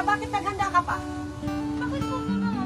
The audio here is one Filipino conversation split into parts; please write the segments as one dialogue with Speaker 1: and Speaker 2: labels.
Speaker 1: Bakit naghanda ka pa?
Speaker 2: Bakit po mama?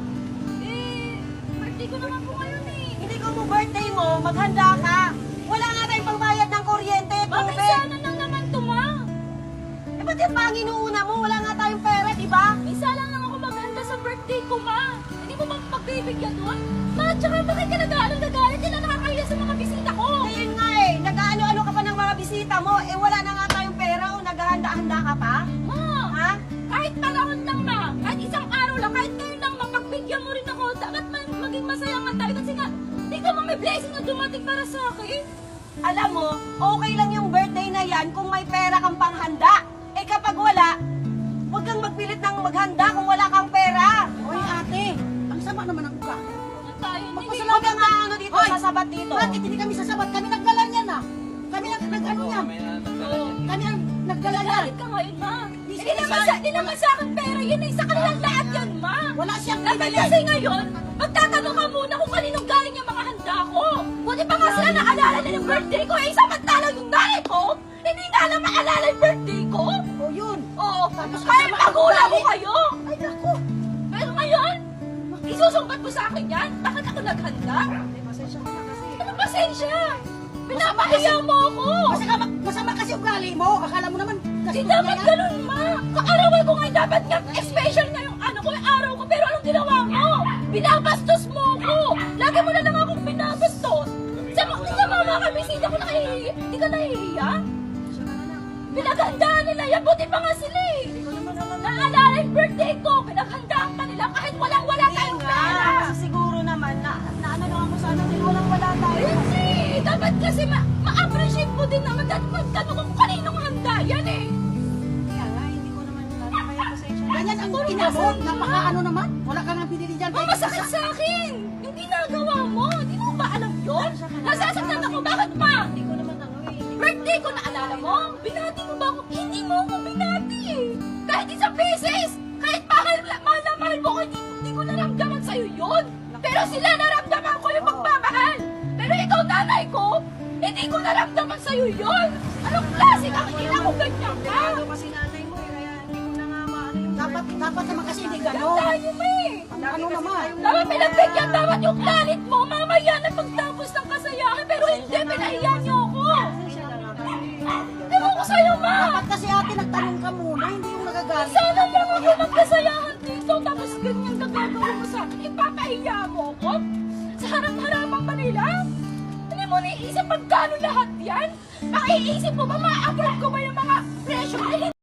Speaker 2: Birthday ko naman po ngayon eh.
Speaker 1: Hindi ko mo birthday mo, maghanda ka. Wala nga tayong pangbayad ng kuryente,
Speaker 2: Bakit
Speaker 1: tubig.
Speaker 2: sana lang naman to, ma?
Speaker 1: Eh, ba't yung panginuuna mo? Wala nga tayong pera, di ba?
Speaker 2: Isa lang ako maghanda sa birthday ko, ma. Hindi mo ba pagbibigyan nun? Ma, tsaka bakit ka nag-aalong nagalit? Hindi na nakakahiya sa mga bisita ko.
Speaker 1: Ayun nga eh, nag-ano-ano ka pa ng mga bisita mo, eh wala na nga tayong pera o naghahanda-handa ka pa?
Speaker 2: Ma,
Speaker 1: Ha?
Speaker 2: kahit panahon lang, ma. Kahit isang araw lang, kahit ngayon lang, mapagbigyan mo rin ako. Dapat maging masaya nga tayo. Kasi nga, hindi ka may blessing na dumating para sa akin.
Speaker 1: Alam mo, okay lang yung birthday na yan kung may pera kang panghanda. Eh kapag wala, huwag kang magpilit ng maghanda kung wala kang pera.
Speaker 3: Hoy ate, ang sama naman ang uka.
Speaker 2: Huwag tayo, hindi.
Speaker 1: Huwag kang ano dito,
Speaker 3: Hoy!
Speaker 1: sasabat dito.
Speaker 3: Bakit hindi kami sasabat? Kami naggalan yan ah. Kami nag-ano yan.
Speaker 2: Oo.
Speaker 3: Kami ang naggalan yan.
Speaker 2: Galit ka ngayon, ma.
Speaker 3: Hindi
Speaker 2: Hindi naman sa akin pera yun eh. Sa kanilang lahat yan, ma.
Speaker 3: Wala siyang
Speaker 2: Dapat
Speaker 3: binili.
Speaker 2: kasi ngayon, magtatanong ka muna kung kaninong galing yung mga handa ko. Buti pa nga sila naalala nila yung birthday ko. Eh, samantalang yung nanay ko, hindi na alam maalala yung birthday ko.
Speaker 3: O yun.
Speaker 2: Oo,
Speaker 3: Tapos
Speaker 2: kahit
Speaker 3: kasama
Speaker 2: magulang ko
Speaker 3: ang
Speaker 2: kayo.
Speaker 3: Ay naku.
Speaker 2: Pero ngayon, isusumbat mo sa akin yan? Bakit ako naghanda?
Speaker 1: Pasensya ka na kasi.
Speaker 2: Anong pasensya? Pinapahiya mo ako.
Speaker 3: Masama kasi ugali mo. Akala mo naman kasi
Speaker 2: Hindi dapat ganun, ma. Kaarawan ko nga, dapat nga, special nga yung ano ko, yung araw ko. Pero anong ginawa mo? Binabastos mo ko. Lagi mo na lang akong binabastos. Sa mga kabisita ko nakahihiya. Hindi ka nahihiya? Pinaghandaan nila yan. Buti pa nga sila eh. Naalala yung birthday ko. Pinaghandaan pa nila kahit walang-wala tayong pera.
Speaker 1: Kasi siguro naman na ano lang ako sa ano din, walang-wala tayo.
Speaker 2: Hindi. Dapat kasi ma-appreciate mo din naman. Dapat magtanong kung kaninong handa yan eh.
Speaker 1: Kaya nga, hindi ko naman kaya pasensya na.
Speaker 3: Ganyan ang inabot. Napaka-ano naman. Wala ka nga pinili dyan.
Speaker 2: Ang masakit sa akin! Yung ginagawa mo! Hindi mo ba alam yun? Nasasaktan ako! Bakit pa?
Speaker 1: Hindi ko naman ano eh.
Speaker 2: Birthday ko naalala mo? Binati mo ba ako? Hindi mo ako binati eh! Kahit isang beses! Kahit mahal na mahal mo ko, hindi ko naramdaman sa'yo yun! Pero sila naramdaman ko yung pagmamahal! Pero ikaw, nanay ko, hindi ko naramdaman sa'yo yun! Anong klase kang ina ko ganyan ka?
Speaker 1: Ano kasi nanay mo eh, kaya hindi ko na nga maano yung
Speaker 3: Dapat naman kasi hindi
Speaker 2: Ganun
Speaker 3: gano'n.
Speaker 2: tayo mo eh!
Speaker 3: Ano naman?
Speaker 2: Dapat pinagbigyan dapat yung galit mo, mamaya na pagtapos ng kasayahan, pero hindi, pinahiya niyo ako!
Speaker 1: pasensya na nga kasi.
Speaker 2: Ewan ko sa'yo, ma!
Speaker 3: Dapat kasi ate nagtanong ka muna. Hindi yung nagagalit.
Speaker 2: Sana lang ako magkasayahan dito, tapos ganyan gagawin mo sa akin, ipapahiya mo ako? Sa harap-harapan pa nila? Hindi mo naisip magkano lahat yan? Makiisip mo ba, ma-afford ko ba yung mga presyo?